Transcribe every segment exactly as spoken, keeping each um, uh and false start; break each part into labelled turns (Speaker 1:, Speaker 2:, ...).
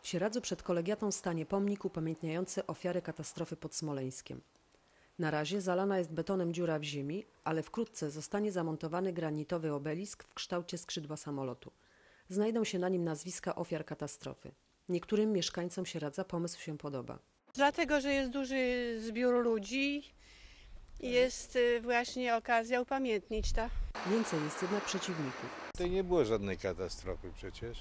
Speaker 1: W Sieradzu przed kolegiatą stanie pomnik upamiętniający ofiary katastrofy pod Smoleńskiem. Na razie zalana jest betonem dziura w ziemi, ale wkrótce zostanie zamontowany granitowy obelisk w kształcie skrzydła samolotu. Znajdą się na nim nazwiska ofiar katastrofy. Niektórym mieszkańcom Sieradza pomysł się podoba.
Speaker 2: Dlatego, że jest duży zbiór ludzi i jest właśnie okazja upamiętnić to.
Speaker 1: Więcej jest jednak przeciwników.
Speaker 3: To nie było żadnej katastrofy przecież.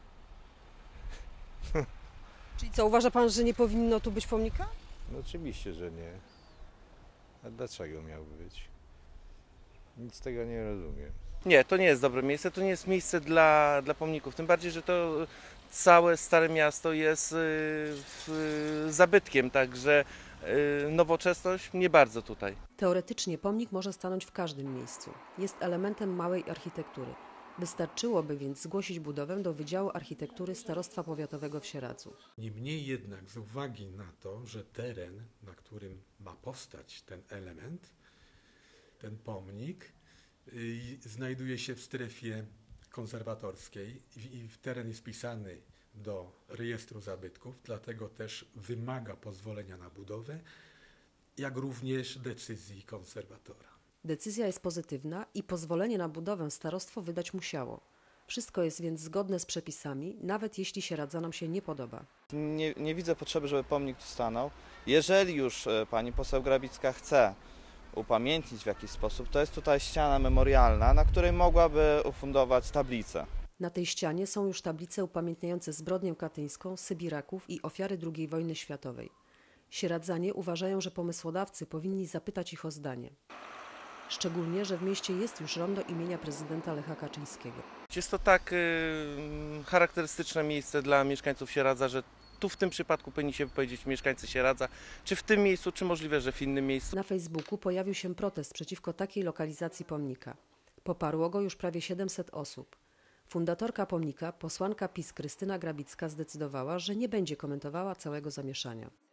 Speaker 4: Czyli co, uważa pan, że nie powinno tu być pomnika?
Speaker 3: No oczywiście, że nie. A dlaczego miałby być? Nic z tego nie rozumiem.
Speaker 5: Nie, to nie jest dobre miejsce, to nie jest miejsce dla, dla pomników. Tym bardziej, że to całe Stare Miasto jest y, zabytkiem, także y, nowoczesność nie bardzo tutaj.
Speaker 1: Teoretycznie pomnik może stanąć w każdym miejscu. Jest elementem małej architektury. Wystarczyłoby więc zgłosić budowę do Wydziału Architektury Starostwa Powiatowego w Sieradzu.
Speaker 6: Niemniej jednak z uwagi na to, że teren, na którym ma powstać ten element, ten pomnik, yy, znajduje się w strefie konserwatorskiej i, i teren jest wpisany do rejestru zabytków, dlatego też wymaga pozwolenia na budowę, jak również decyzji konserwatora.
Speaker 1: Decyzja jest pozytywna i pozwolenie na budowę starostwo wydać musiało. Wszystko jest więc zgodne z przepisami, nawet jeśli Sieradzanom się nie podoba.
Speaker 7: Nie, nie widzę potrzeby, żeby pomnik tu stanął. Jeżeli już pani poseł Grabicka chce upamiętnić w jakiś sposób, to jest tutaj ściana memorialna, na której mogłaby ufundować tablicę.
Speaker 1: Na tej ścianie są już tablice upamiętniające zbrodnię katyńską, Sybiraków i ofiary drugiej wojny światowej. Sieradzanie uważają, że pomysłodawcy powinni zapytać ich o zdanie. Szczególnie, że w mieście jest już rondo imienia prezydenta Lecha Kaczyńskiego.
Speaker 5: Jest to tak y, charakterystyczne miejsce dla mieszkańców Sieradza, że tu w tym przypadku powinni się wypowiedzieć mieszkańcy Sieradza, czy w tym miejscu, czy możliwe, że w innym miejscu.
Speaker 1: Na Facebooku pojawił się protest przeciwko takiej lokalizacji pomnika. Poparło go już prawie siedemset osób. Fundatorka pomnika, posłanka PiS Krystyna Grabicka zdecydowała, że nie będzie komentowała całego zamieszania.